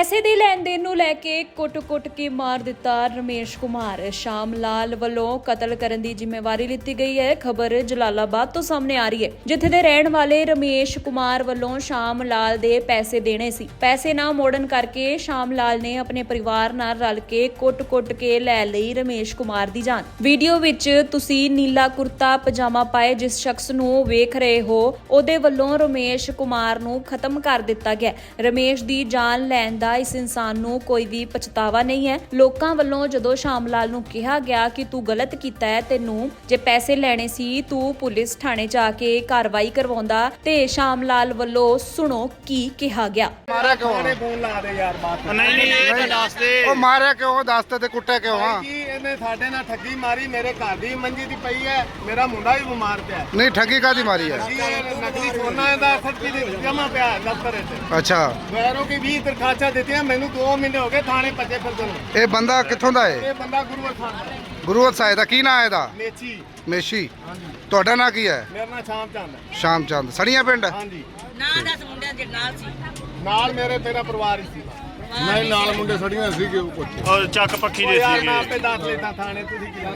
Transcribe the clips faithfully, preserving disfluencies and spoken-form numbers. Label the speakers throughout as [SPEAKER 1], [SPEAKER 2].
[SPEAKER 1] ਪੈਸੇ ਦੀ ਲੈਣ ਦੇਣ ਨੂੰ ਲੈ ਕੇ ਕੁੱਟ-ਕੁੱਟ ਕੇ ਮਾਰ ਦਿੱਤਾ ਰਮੇਸ਼ ਕੁਮਾਰ। ਸ਼ਾਮ ਲਾਲ ਵੱਲੋਂ ਕਤਲ ਕਰਨ ਦੀ ਜ਼ਿੰਮੇਵਾਰੀ ਲਿੱਤੀ ਗਈ ਹੈ। ਖਬਰ ਜਲਾਲਾਬਾਦ ਤੋਂ ਸਾਹਮਣੇ ਆ ਰਹੀ ਹੈ, ਜਿੱਥੇ ਦੇ ਰਹਿਣ ਵਾਲੇ ਰਮੇਸ਼ ਕੁਮਾਰ ਵੱਲੋਂ ਸ਼ਾਮ ਲਾਲ ਦੇ ਪੈਸੇ ਦੇਣੇ ਸੀ। ਪੈਸੇ ਨਾ ਮੋੜਨ ਕਰਕੇ ਸ਼ਾਮ ਲਾਲ ਨੇ ਆਪਣੇ ਪਰਿਵਾਰ ਨਾਲ ਰਲ ਕੇ ਕੁੱਟ-ਕੁੱਟ ਕੇ ਲੈ ਲਈ ਰਮੇਸ਼ ਕੁਮਾਰ ਦੀ ਜਾਨ। ਵੀਡੀਓ ਵਿੱਚ ਤੁਸੀਂ ਨੀਲਾ ਕੁਰਤਾ ਪਜਾਮਾ ਪਾਏ ਜਿਸ ਸ਼ਖਸ ਨੂੰ ਵੇਖ ਰਹੇ ਹੋ, ਉਹਦੇ ਵੱਲੋਂ ਰਮੇਸ਼ ਕੁਮਾਰ ਨੂੰ ਖਤਮ ਕਰ ਦਿੱਤਾ ਗਿਆ। ਰਮੇਸ਼ ਦੀ ਜਾਨ ਲੈਣ ਦਾ ਇਸ ਇਨਸਾਨ ਨੂੰ ਕੋਈ ਵੀ ਪਛਤਾਵਾ ਨਹੀਂ ਹੈ। ਲੋਕਾਂ ਵੱਲੋਂ ਜਦੋਂ ਸ਼ਾਮ ਲਾਲ ਨੂੰ ਕਿਹਾ ਗਿਆ ਕਿ ਤੂੰ ਗਲਤ ਕੀਤਾ ਹੈ, ਤੈਨੂੰ ਜੇ ਪੈਸੇ ਲੈਣੇ ਸੀ ਤੂੰ ਪੁਲਿਸ ਥਾਣੇ ਜਾ ਕੇ ਕਾਰਵਾਈ ਕਰਵਾਉਂਦਾ, ਤੇ ਸ਼ਾਮ ਲਾਲ ਵੱਲੋਂ ਸੁਣੋ ਕੀ ਕਿਹਾ ਗਿਆ।
[SPEAKER 2] ਮਾਰਿਆ ਕਿਉਂ?
[SPEAKER 3] ਨੇ ਫੋਨ ਲਾ ਦੇ ਯਾਰ ਬਾਤ
[SPEAKER 4] ਨਹੀਂ ਨਹੀਂ ਇਹ ਤਾਂ ਦੱਸ ਦੇ।
[SPEAKER 2] ਉਹ ਮਾਰਿਆ ਕਿਉਂ? ਦੱਸ ਤੇ ਕੁੱਟਿਆ ਕਿਉਂ? ਹਾਂ
[SPEAKER 3] ਜੀ ਇਹਨੇ ਸਾਡੇ ਨਾਲ ਠੱਗੀ ਮਾਰੀ। ਮੇਰੇ ਘਰ ਦੀ ਮੰਜੀ ਦੀ ਪਈ ਹੈ, ਮੇਰਾ ਮੁੰਡਾ ਵੀ ਬਿਮਾਰ ਪਿਆ।
[SPEAKER 2] ਨਹੀਂ, ਠੱਗੀ ਕਾਦੀ ਮਾਰੀ ਹੈ?
[SPEAKER 3] ਜੀ ਇਹ ਨਕਲੀ ਸੋਨਾ ਦਾ ਸੱਚੀ ਦੀ ਜਮਾ ਪਿਆ ਹੈ ਦਫ਼ਤਰ ਵਿੱਚ।
[SPEAKER 2] ਅੱਛਾ,
[SPEAKER 3] ਵੈਰੋ ਕੀ ਵੀਹ ਦਰਖਾਸਤਾਂ ਦਿੱਤੀਆਂ, ਮੈਨੂੰ ਦੋ ਮਹੀਨੇ ਹੋ ਗਏ ਥਾਣੇ ਭੱਜੇ ਫਿਰਦੇ ਨੂੰ।
[SPEAKER 2] ਇਹ ਬੰਦਾ ਕਿੱਥੋਂ ਦਾ ਹੈ?
[SPEAKER 3] ਇਹ ਬੰਦਾ ਗੁਰੂਵਰ ਖਾਨ ਦਾ ਹੈ।
[SPEAKER 2] ਗੁਰੂਵਰ ਸਾਹਿਬ ਦਾ ਕੀ ਨਾਂ ਹੈ ਇਹਦਾ?
[SPEAKER 3] ਮੇਚੀ।
[SPEAKER 2] ਮੇਸ਼ੀ।
[SPEAKER 3] ਹਾਂਜੀ,
[SPEAKER 2] ਤੁਹਾਡਾ ਨਾਂ ਕੀ ਹੈ?
[SPEAKER 3] ਮੇਰਾ ਨਾਮ ਸ਼ਾਮ ਚੰਦ ਹੈ।
[SPEAKER 2] ਸ਼ਾਮ ਚੰਦ, ਸੜੀਆਂ ਪਿੰਡ।
[SPEAKER 3] ਹਾਂਜੀ,
[SPEAKER 5] ਨਾ ਦਸ ਮੁੰਡਿਆਂ ਦੇ ਨਾਲ ਸੀ।
[SPEAKER 3] ਨਾਲ ਮੇਰੇ ਤੇਰਾ ਪਰਿਵਾਰ ਹੀ ਸੀ।
[SPEAKER 4] ਨਹੀਂ ਨਾਲ ਮੁੰਡੇ ਸੜੀਆਂ ਸੀਗੇ ਉਹ ਕੁਝ ਔਰ ਚੱਕ ਪੱਖੀ ਦੇ
[SPEAKER 3] ਯਾਰ ਮੈਂ
[SPEAKER 4] ਸੀਗੇ।
[SPEAKER 3] ਆਪੇ ਦੱਸ ਲੈਂਦਾ ਥਾਣੇ, ਤੁਸੀਂ ਕੀ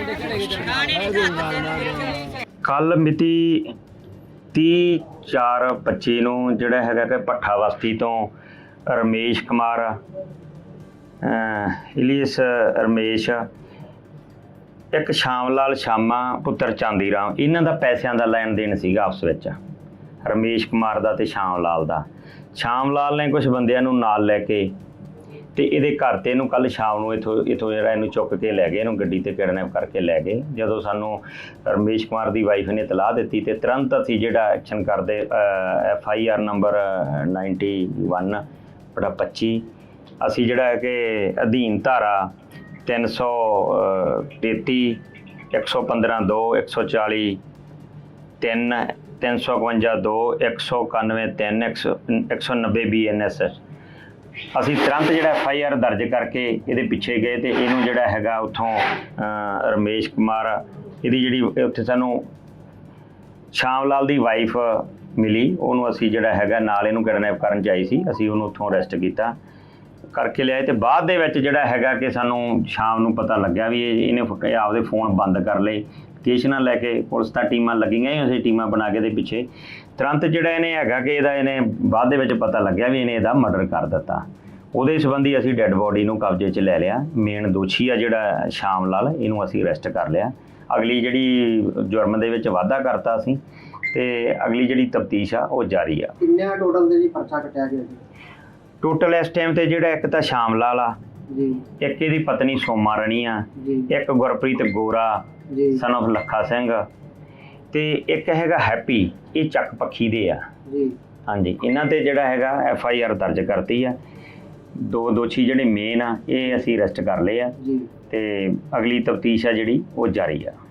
[SPEAKER 6] ਕੱਲ ਮਿਤੀ ਤੀਹ ਚਾਰ ਪੱਚੀ ਨੂੰ ਜਿਹੜਾ ਹੈਗਾ ਕਿ ਭੱਠਾ ਬਸਤੀ ਤੋਂ ਰਮੇਸ਼ ਕੁਮਾਰ ਇਲੀਸ ਰਮੇਸ਼, ਇੱਕ ਸ਼ਾਮ ਲਾਲ ਸ਼ਾਮਾ ਪੁੱਤਰ ਚਾਂਦੀ ਰਾਮ, ਇਹਨਾਂ ਦਾ ਪੈਸਿਆਂ ਦਾ ਲੈਣ ਦੇਣ ਸੀਗਾ ਆਪਸ ਵਿੱਚ, ਰਮੇਸ਼ ਕੁਮਾਰ ਦਾ ਤੇ ਸ਼ਾਮ ਲਾਲ ਦਾ। ਸ਼ਾਮ ਲਾਲ ਨੇ ਕੁਝ ਬੰਦਿਆਂ ਨੂੰ ਨਾਲ ਲੈ ਕੇ ਤੇ ਇਹਦੇ ਘਰ ਤੇ ਇਹਨੂੰ ਕੱਲ ਸ਼ਾਮ ਨੂੰ ਇਥੋਂ ਇਥੋਂ ਜਿਹੜਾ ਇਹਨੂੰ ਚੁੱਕ ਕੇ ਲੈ ਗਏ, ਇਹਨੂੰ ਗੱਡੀ ਤੇ ਕਿਡਨੈਪ ਕਰਕੇ ਲੈ ਗਏ। ਜਦੋਂ ਸਾਨੂੰ ਰਮੇਸ਼ ਕੁਮਾਰ ਦੀ ਵਾਈਫ ਨੇ ਇਤਲਾਹ ਦਿੱਤੀ ਤੇ ਤੁਰੰਤ ਅਸੀਂ ਜਿਹੜਾ ਐਕਸ਼ਨ ਕਰਦੇ F I R number ninety one ਬੜਾ ਪੱਚੀ ਅਸੀਂ ਜਿਹੜਾ ਹੈ ਕਿ ਅਧੀਨ ਧਾਰਾ ਤਿੰਨ ਸੌ ਤੇਤੀ ਇੱਕ ਸੌ ਪੰਦਰਾਂ ਦੋ ਇੱਕ ਸੌ ਚਾਲੀ ਤਿੰਨ ਤਿੰਨ ਸੌ ਇਕਵੰਜਾ ਦੋ ਇੱਕ ਸੌ ਇਕਾਨਵੇਂ ਤਿੰਨ ਇੱਕ ਸੌ ਇੱਕ ਸੌ ਨੱਬੇ ਬੀ ਐਨ ਐਸ ਅਸੀਂ ਤੁਰੰਤ ਜਿਹੜਾ ਐਫ ਆਈ ਆਰ ਦਰਜ ਕਰਕੇ ਇਹਦੇ ਪਿੱਛੇ ਗਏ ਤੇ ਇਹਨੂੰ ਜਿਹੜਾ ਹੈਗਾ ਉੱਥੋਂ ਰਮੇਸ਼ ਕੁਮਾਰ, ਇਹਦੀ ਜਿਹੜੀ ਉੱਥੇ ਸਾਨੂੰ ਸ਼ਾਮ ਲਾਲ ਦੀ ਵਾਈਫ ਮਿਲੀ, ਉਹਨੂੰ ਅਸੀਂ ਜਿਹੜਾ ਹੈਗਾ ਨਾਲ ਇਹਨੂੰ ਕਿਡਨੈਪ ਕਰਨ 'ਚ ਆਈ ਸੀ, ਅਸੀਂ ਉਹਨੂੰ ਉੱਥੋਂ ਅਰੈਸਟ ਕੀਤਾ ਕਰਕੇ ਲਿਆਏ। ਤੇ ਬਾਅਦ ਦੇ ਵਿੱਚ ਜਿਹੜਾ ਹੈਗਾ ਕਿ ਸਾਨੂੰ ਸ਼ਾਮ ਨੂੰ ਪਤਾ ਲੱਗਿਆ ਵੀ ਇਹ ਇਹਨੇ ਆਪਦੇ ਫੋਨ ਬੰਦ ਕਰ ਲਏ। ਸਟੇਸ਼ਨਾਂ ਲੈ ਕੇ ਪੁਲਿਸ ਤਾਂ ਟੀਮਾਂ ਲੱਗੀਆਂ ਹੀ, ਅਸੀਂ ਟੀਮਾਂ ਬਣਾ ਕੇ ਦੇ ਪਿੱਛੇ ਤੁਰੰਤ ਜਿਹੜਾ ਇਹਨੇ ਹੈਗਾ ਕਿ ਇਹਦਾ ਇਹਨੇ ਬਾਅਦ ਦੇ ਵਿੱਚ ਪਤਾ ਲੱਗਿਆ ਵੀ ਇਹਨੇ ਇਹਦਾ ਮਰਡਰ ਕਰ ਦਿੱਤਾ। ਉਹਦੇ ਸੰਬੰਧੀ ਅਸੀਂ ਡੈੱਡ ਬੋਡੀ ਨੂੰ ਕਬਜ਼ੇ 'ਚ ਲੈ ਲਿਆ। ਮੇਨ ਦੋਸ਼ੀ ਆ ਜਿਹੜਾ ਸ਼ਾਮ ਲਾਲ, ਇਹਨੂੰ ਅਸੀਂ ਅਰੈਸਟ ਕਰ ਲਿਆ। ਅਗਲੀ ਜਿਹੜੀ ਜੁਰਮ ਦੇ ਵਿੱਚ ਵਾਧਾ ਕਰਤਾ ਅਸੀਂ, ਤੇ ਅਗਲੀ ਜਿਹੜੀ ਤਫਤੀਸ਼ ਆ ਉਹ ਜਾਰੀ ਆ।
[SPEAKER 7] ਕਿੰਨੇ ਟੋਟਲ ਦੇ ਜੀ ਪਰਚਾ ਕੱਟਿਆ ਗਿਆ ਜੀ?
[SPEAKER 6] ਟੋਟਲ ਇਸ ਟਾਈਮ ਤੇ ਜਿਹੜਾ ਇੱਕ ਤਾਂ ਸ਼ਾਮ ਲਾਲ ਆ
[SPEAKER 7] ਜੀ,
[SPEAKER 6] ਇੱਕ ਇਹਦੀ ਪਤਨੀ ਸੋਮਾ ਰਣੀ ਆ,
[SPEAKER 7] ਜੀ,
[SPEAKER 6] ਇੱਕ ਗੁਰਪ੍ਰੀਤ ਗੋਰਾ
[SPEAKER 7] ਜੀ,
[SPEAKER 6] ਸਨ ਆਫ ਲੱਖਾ ਸਿੰਘ, ਤੇ ਇੱਕ ਹੈਗਾ ਹੈਪੀ, ਇਹ ਚੱਕ ਪੱਖੀ ਦੇ ਆ।
[SPEAKER 7] ਜੀ,
[SPEAKER 6] ਹਾਂਜੀ, ਇਹਨਾਂ ਤੇ ਜਿਹੜਾ ਹੈਗਾ ਐਫ ਆਈ ਆਰ ਦਰਜ ਕਰਤੀ ਆ। ਦੋ ਦੋਸ਼ੀ ਜਿਹੜੇ ਮੇਨ ਆ ਇਹ ਅਸੀਂ ਅਰੈਸਟ ਕਰ ਲਏ ਆ,
[SPEAKER 7] ਜੀ।
[SPEAKER 6] ਤੇ ਅਗਲੀ ਤਫਤੀਸ਼ ਆ ਜਿਹੜੀ ਉਹ ਜਾਰੀ ਆ।